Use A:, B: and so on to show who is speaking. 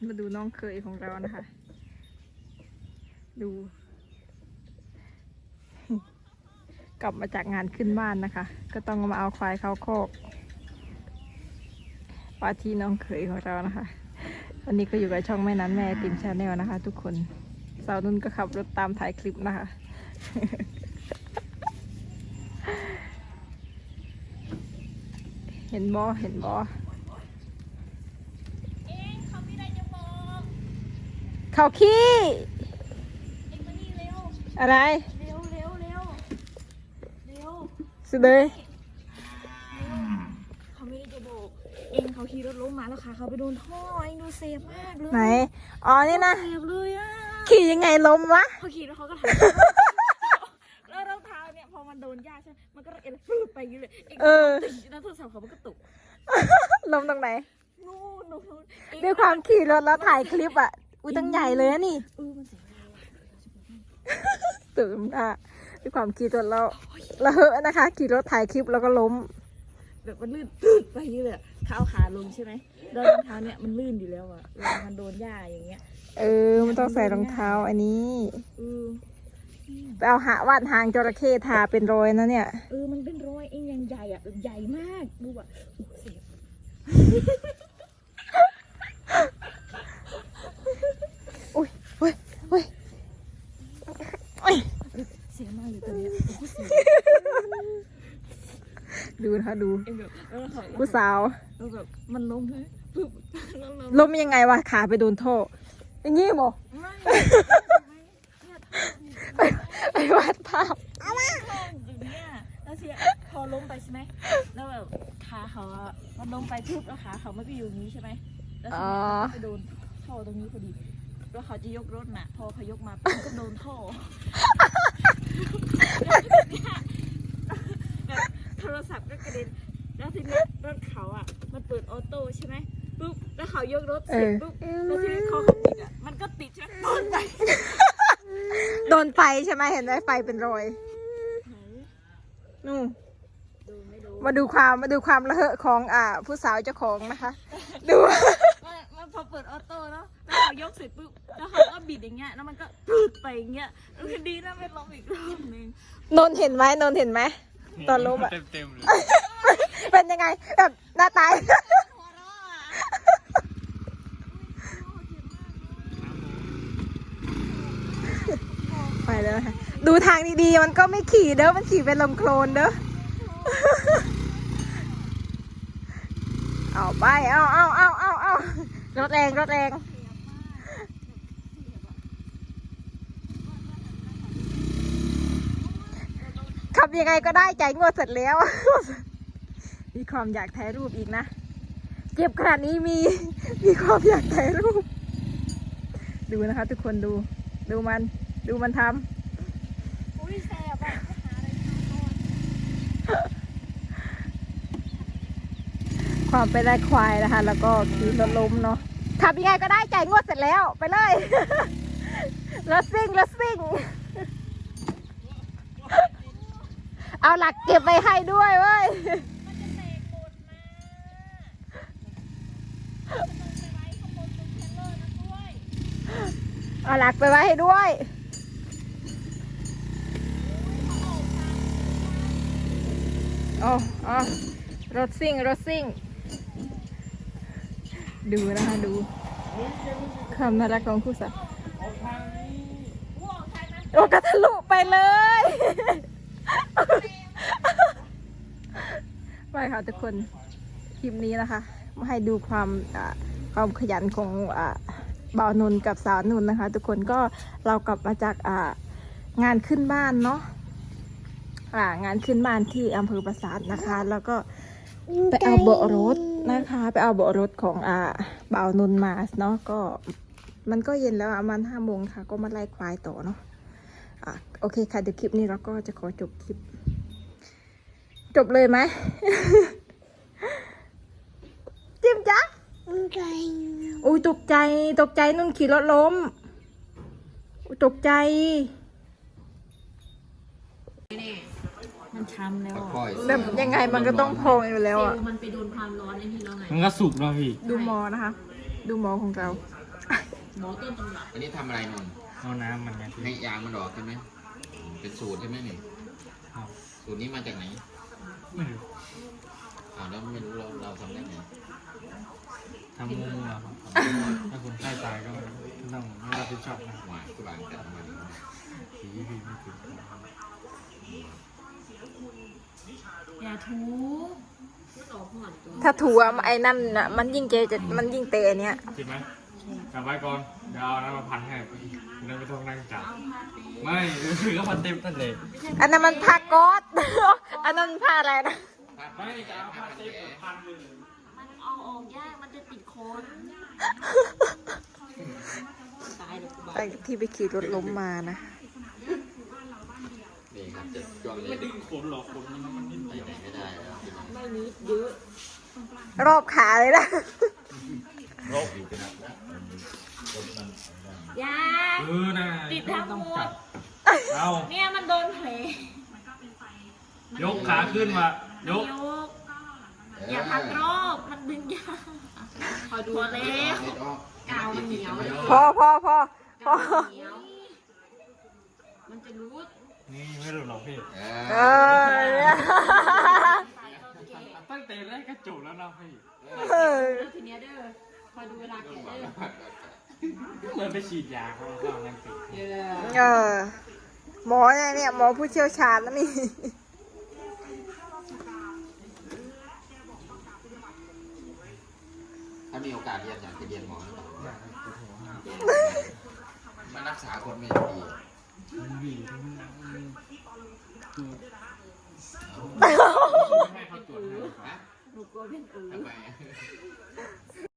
A: มาดูน้องเคยของเรานะคะ ดู กลับมาจากงานขึ้นบ้านนะคะ ก็ต้องมาเอาควายเข้าคอกว่าที่น้องเคยของเรานะคะวันนี้ก็อยู่กับช่องแม่นั้นแม่ติมชาแนลนะคะ ทุกคนสาวนุ่นก็ขับรถตามถ่ายคลิปนะคะ เห็นบอเห็นบอเขาไม่ได้จะบอกเขาขี้เอ็งมานี่เร็วอะไรเร็วสุดเลย
B: เขาไม่ได้จะบอกเองเขาขี่รถล้มมาแล้วค่ะเขาไปโดนท่อเองดูเซฟมากเลย
A: ไหนอ๋อนี่นะ
B: เซฟเลยอ่ะ
A: ขี่ยังไงล้มวะ
B: เขาขี่แล้วเขาก็ถ่ายแล้วรองเท้าเนี่ยพอมันโดนหญ้าใช่ไหมมันก็เอ็นฟื้นไปอย่างนี้เลยแล้วโทรศัพท์เขามันก็ตก
A: ล้มตรงไหน
B: นู่น
A: ด้วยความขี่รถแล้วถ่ายคลิปอ่ะอุ้ยตั้งใหญ่เลยนะนี่
B: มันเสียเวลาว่ะ
A: ตื่นอ่ะด้วยความขี่รถแล้วเหอะนะคะขี่รถถ่ายคลิปแล้วก็ล้ม
B: แบบมันลื่นตึ๊ดไปอย่างนี้เลยเขาเอาขาลงใช่ไหมแล้วรองเท้าเนี่ยมันลื่นอยู่แล้วอ่ะเวลามันโดนหญ้าอย่างเงี้ย
A: มันต้องใส่รองเท้าอันนี้
B: เออ
A: ไปเอาวาดหางจระเข้ทาเป็นรอยนะเนี่ย
B: มันเป็นรอยเองยังใหญ่อ่ะแบบใหญ่มากดูอ่ะเสีย
A: อุ้ย
B: เสียมากเลยตอนนี้
A: ดูนะคะดู
B: เองแบบ
A: ผู้สาว
B: แบบมันล้มเลยปึ๊บ
A: ล้มยังไงวะขาไปโดนท่ออย่างงี้บ่ไปวาดภาพ
B: อย่างเงี้ยแล้วเสียพอล้มไปใช่ไหมแล้วแบบขาเขาอะมันล้มไปปึ๊บแล้วขาเขาไม่ไปอยู่อย่างนี้ใช่ไหมแล้วไปโดนท่อตรงนี้พอดีแล้วเขาจะยกรถน่ะพอเขายกมาปุ๊บก็โดนท่อแบบโทรศัพท์ก็กระเด็นแล้วทีนี้รถเขาอ่ะมันเปิดออโต้ใช่ไหมปุ๊บแล้วเขายกรถเสร็จปุ๊บแล้วทีนี้เขาติดอ่ะมันก็ติดใช่ไหม
A: โดนไฟใช่ไหมเห็นไหมไฟเป็นรอยนู่นมาดูความระเหะของผู้สาวเจ้าของนะคะ ดู
B: มันพอเปิดออโต้เนาะแล้วเขายกเสร็จปุ๊บแล้วเขาก็บิดอย่างเงี้ยแล้วมันก็ปืดไปอย่างเงี้ยดีนะไม่ล้มอีกรอบนึง
A: นนเห็นไหมตอนล้มอะ
C: เต็มเลย
A: เป็นยังไงแบบหน้าตายไปแล้วนะคะดูทางดีๆมันก็ไม่ขี่เด้อมันขี่เป็นลมโคลนเด้อเอาไปเอารถแรงขับยังไงก็ได้จ่ายงวดเสร็จแล้ว มีความอยากถ่ายรูปอีกนะเจ็บขนาดนี้มีความอยากถ่ายรูปดูนะคะทุกคนดูมันทำ
B: อุ้ยแสบอ่ะหาอะไรทำก่อน
A: ความไปได้ควายนะคะแล้วก็ขี่รถล้มเนาะขับยังไงก็ได้จ่ายงวดเสร็จแล้วไปเลย รถซิ่งเอาหลักเก็บไปให้ด้วยเว้ยเอาหลักไปไว้ให้ด้วยรถซิ่งดูนะคะดูความน่ารักของคู่สาวกระทะลุไปเลยไปค่ะทุกคนคลิปนี้นะคะมาให้ดูความขยันของบ่าวนนกับสาวนุนนะคะทุกคนก็เรากลับมาจากงานขึ้นบ้านเนาะงานขึ้นบ้านที่อำเภอปราสาทนะคะแล้วก็ไปเอาเบาะรถนะคะไปเอาเบาะรถของบ่าวนนมาเนาะก็มันก็เย็นแล้วประมาณ5 โมงค่ะก็มาไล่ควายต่อเนาะโอเคค่ะเดี๋ยวคลิปนี้เราก็จะขอจบคลิปจบเลยไหม จิ้มจ๊ะอุ้ยตกใจนุ่นขี่รถล้มตกใจ
B: มันช้ำแล้ว
A: แบบยังไงมันก็ต้องพองอยู่แล้วอ่ะ
B: มันไปโดนความร้อนไอ้ที่เราไง
C: มันก็สุกแล้วพี่
A: ดูหมอนะคะดูหมอของเรา
B: หมอต้นตำรับ
C: อันนี้ทำอะไรนนท์
D: เอาน้ำมันไงพี่
C: ให้ยางมันออกใช่ไหมเป็นสูตรใช่ไหมนี่
D: ครับ
C: สูตรนี้มาจากไหน
D: ไม่รู้
C: แล้วไม่รู้เราทำได้ไง
D: ทำมุมเหรอครับถ้าคนไข้ตายก็ต้องไม่รับผิดชอบนะ
C: หวานคือบางกันมาดี
D: ผีพี่ไม่ถึง
B: อย่าทูมันออกห่อนตัว
A: ถ้าถูไอ้นั่นน่ะมันยิ่งเจจะมันยิ่งเตะอันเนี้ย
D: จริงไหมกลับไว้ก่อนเดี๋ยวเอาน้ำมาพันให้เดินไปทงนั่งจับ
B: เอาผ้าเต็ม
D: ไม่คือก็พันเต็มนั่นเลย
A: อันนั้นมันผ้าก๊อซ อันนั้นมันผ้าอะไรนะ
D: ไม่จะเอาพันเต็มพันเลย
B: มันเอาออกยากมันจะติดโคนตายเลยกูบ้า
A: ไอ้ที่ไปขี่รถล้มมานะ
C: นี่ครับจะช่วงนี้
D: ไม่ดึงขนหรอกขนมันนิ่ม
C: ไป
D: เดียว
C: ไหนไม่ได้แล้วพี่น้อง
B: ไม่นิดเยอะ
A: รอบขาเลยนะ
C: โรคอยู่เป็นอะไรนะ
B: ยา
D: นะ
B: ติดทั้งหมด
D: เอา
B: เนี่ยมันโดนแผล
D: ยกขาขึ้นมายก
B: อย่าพักรอบมันดึงยากพอดูแล้ว กาวมันเหนียว
A: พอ
B: เหนียวมันจะรู้
D: นี่ไม่หลุดหรอกพี่
A: เออ
D: ตั้งแต่แรกก็จบแล้วนะพี่
A: เออ
B: ทีเนี้ยเด้อคอยดูเวลาแกะเด้อ
D: เหมือนไปฉีดยาเขาเอานั่งติด
A: เออ หมอเนี่ยหมอผู้เชี่ยวชาญนะนี่
C: ถ้ามีโอกาสเรียนอยากจะเรียนหมอหรือเปล่ามารักษาคนไม่ดี
D: วีให้เขาตรวจให้
C: ฮะ
B: หนูกลัวเป็นอือ
C: ทำไม